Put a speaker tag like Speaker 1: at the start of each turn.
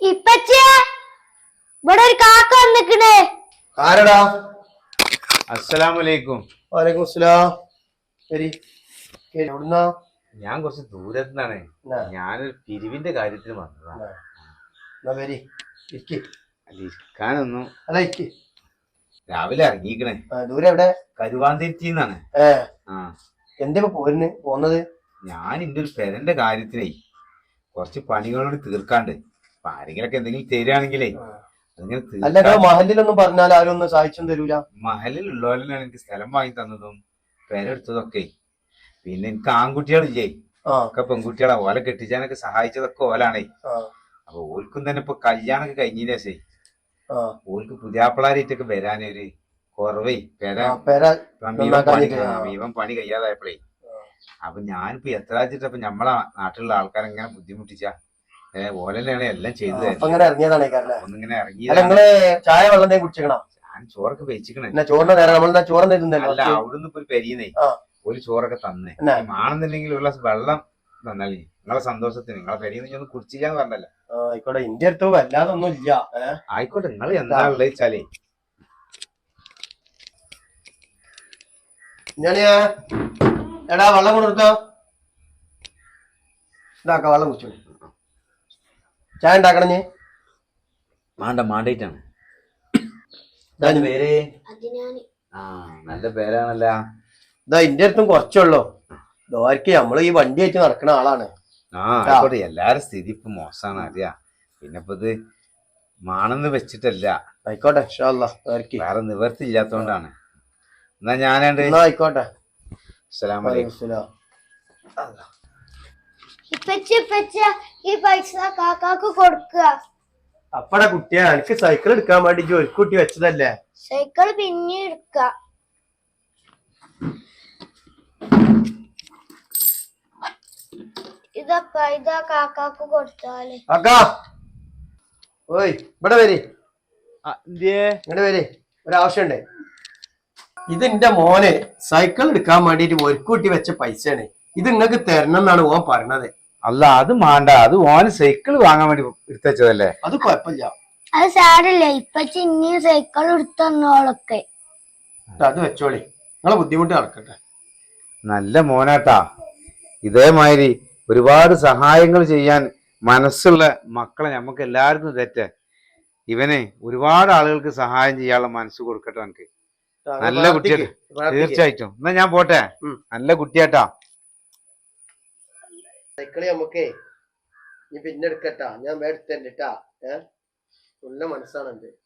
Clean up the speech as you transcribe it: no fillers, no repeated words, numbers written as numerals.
Speaker 1: ഇപ്പച്ചേ ഇവിടെ ഒരു കാക്ക വന്നിക്കണേ.
Speaker 2: ആരടാ?
Speaker 3: അസ്സലാമലൈക്കും.
Speaker 2: വലൈക്കും അസ്സലാം. ശരി, എവിടുന്നാ?
Speaker 3: ഞാൻ കുറച്ച് ദൂരത്തുനിന്നാണ്. ഞാനൊരു പിരിവിന്റെ കാര്യത്തിന് വന്നതാണ്. ഇരിക്കാനൊന്നും
Speaker 2: അല്ല, ഇരിക്ക്.
Speaker 3: രാവിലെ ഇറങ്ങിക്കണേ.
Speaker 2: ദൂരെ എവിടെ?
Speaker 3: കരുവാന്തിരിത്തിന്നാണ്.
Speaker 2: എന്താ പോരുന്ന് പോന്നത്?
Speaker 3: ഞാൻ എന്റെ ഒരു പെരന്റെ കാര്യത്തിനേ കുറച്ച് പണികളോട് തീർക്കാണ്ട്. അപ്പൊ ആരെങ്കിലൊക്കെ എന്തെങ്കിലും തരികയാണെങ്കിലേ
Speaker 2: അല്ല, മഹലിലൊന്നും പറഞ്ഞാൽ ആരും ഒന്നും സഹായിച്ചും തരൂല.
Speaker 3: മഹലിലുള്ളവരെയാണ് എനിക്ക് സ്ഥലം വാങ്ങി തന്നതും പെരെടുത്തതൊക്കെ. പിന്നെ എനിക്ക് ആൺകുട്ടികളില്ലേ, ഒക്കെ പെൺകുട്ടികളാ. ഓല കെട്ടിച്ചാനൊക്കെ സഹായിച്ചതൊക്കെ ഓലാണേ. അപ്പൊ ഓൽക്കും തന്നെ ഇപ്പൊ കല്യാണൊക്കെ കഴിഞ്ഞതിന് ശേഷേ ഓൽക്ക് പുതിയാപ്പിളാരായിട്ടൊക്കെ വരാനൊരു കുറവേ. ഇവൻ പണി കഴിയാതായപ്പോഴേ. അപ്പൊ ഞാനിപ്പോ എത്ര വെച്ചിട്ടപ്പൊ നമ്മളെ നാട്ടിലുള്ള ആൾക്കാരെങ്ങനെ ബുദ്ധിമുട്ടിച്ചാ ഓലെന്നെയാണ് എല്ലാം ചെയ്തത്. ഒന്നിങ്ങനെ ഇറങ്ങി.
Speaker 2: ചായ വെള്ളം കുടിച്ചേക്കണം.
Speaker 3: ഞാൻ ചോറൊക്കെ വെച്ചിക്കണേ.
Speaker 2: ചോറല്ല,
Speaker 3: അവിടുന്ന് ഇപ്പൊ ഒരു പെരിയുന്നേ ഒരു ചോറൊക്കെ തന്നെ ആണെന്നുണ്ടെങ്കിൽ ഒരു ഗ്ലാസ് വെള്ളം തന്നാലേ നിങ്ങളെ സന്തോഷത്തിന്. നിങ്ങളെ പെരിയെന്ന് ഒന്ന് കുടിച്ചില്ലാന്ന് പറഞ്ഞല്ലോ.
Speaker 2: ആയിക്കോട്ടെ, ഇന്റെ അടുത്ത് വല്ലാതൊന്നും ഇല്ല.
Speaker 3: ആയിക്കോട്ടെ, നിങ്ങൾ എന്താ ഉള്ളത് വെച്ചാലേ.
Speaker 2: എടാ വെള്ളം കൊടുത്തോ. ഇതാക്ക വെള്ളം കുടിച്ചോ. ചായ ഉണ്ടാക്കണം.
Speaker 3: മാണ്ടായിട്ടാണ് പേര്. നല്ല പേരാണല്ല.
Speaker 2: ഇതാ ഇന്റെ അടുത്തും കുറച്ചുള്ളൂ. ദോരക്ക് നമ്മള് ഈ വണ്ടി ആയിട്ട് നടക്കണ ആളാണ്.
Speaker 3: ആയിക്കോട്ടെ, എല്ലാരും സ്ഥിതി ഇപ്പൊ മോശമാണ് അറിയാ. പിന്നെ ഇപ്പൊ ഇത് മാണെന്ന് വെച്ചിട്ടല്ല.
Speaker 2: ആയിക്കോട്ടെ,
Speaker 3: വേറെ നിവർത്തി ഇല്ലാത്തോണ്ടാണ്. എന്നാ ഞാനുണ്ട്.
Speaker 2: ആയിക്കോട്ടെ.
Speaker 1: ഈ പൈസ കാക്കാക്ക് കൊടുക്കുക.
Speaker 2: അപ്പടാ കുട്ടിയെ, എനിക്ക് സൈക്കിൾ എടുക്കാൻ വേണ്ടി ഒരു കുട്ടി വെച്ചതല്ലേ.
Speaker 1: സൈക്കിൾ പിന്നെ എടുക്ക. ഇതാ കാക്കാക്ക് കൊടുത്താല്.
Speaker 2: ഓയ് ഇവിടെ വരി. ഇങ്ങോട്ട് വരി, ഒരാവശ്യമുണ്ട്. ഇത് എന്റെ മോന് സൈക്കിൾ എടുക്കാൻ വേണ്ടിട്ട് ഒരു കുട്ടി വെച്ച പൈസയാണ്. ഇത് നിങ്ങൾക്ക് തരണം എന്നാണ് ഓൻ പറഞ്ഞത്.
Speaker 3: അല്ല, അത് മാണ്ട. അത് ഓന് സൈക്കിൾ വാങ്ങാൻ വേണ്ടി എടുത്തല്ലേ.
Speaker 2: അത് കുഴപ്പമില്ല,
Speaker 1: അത് സാരല്ലേ. ഇപ്പച്ചി ഇനിയും സൈക്കിൾ എടുത്തന്നോളൊക്കെ.
Speaker 2: അത് വെച്ചോളി, നിങ്ങളെ ബുദ്ധിമുട്ട് നടക്കട്ടെ.
Speaker 3: നല്ല മോനാട്ടാ. ഇതേമാതിരി ഒരുപാട് സഹായങ്ങൾ ചെയ്യാൻ മനസ്സുള്ള മക്കളെ നമുക്ക് എല്ലാവർക്കും തെറ്റ്. ഇവനെ ഒരുപാട് ആളുകൾക്ക് സഹായം ചെയ്യാനുള്ള മനസ്സ് കൊടുക്കട്ടെ എനിക്ക്. നല്ല കുട്ടിയാ, തീർച്ചയായിട്ടും. എന്നാ ഞാൻ പോട്ടെ. നല്ല കുട്ടിയാട്ടാ.
Speaker 2: സൈക്കിള് നമുക്കേ ഇനി പിന്നെ എടുക്കട്ടാ. ഞാൻ എടുത്തരട്ടാ. നല്ല മനസ്സാണ് എന്റെ.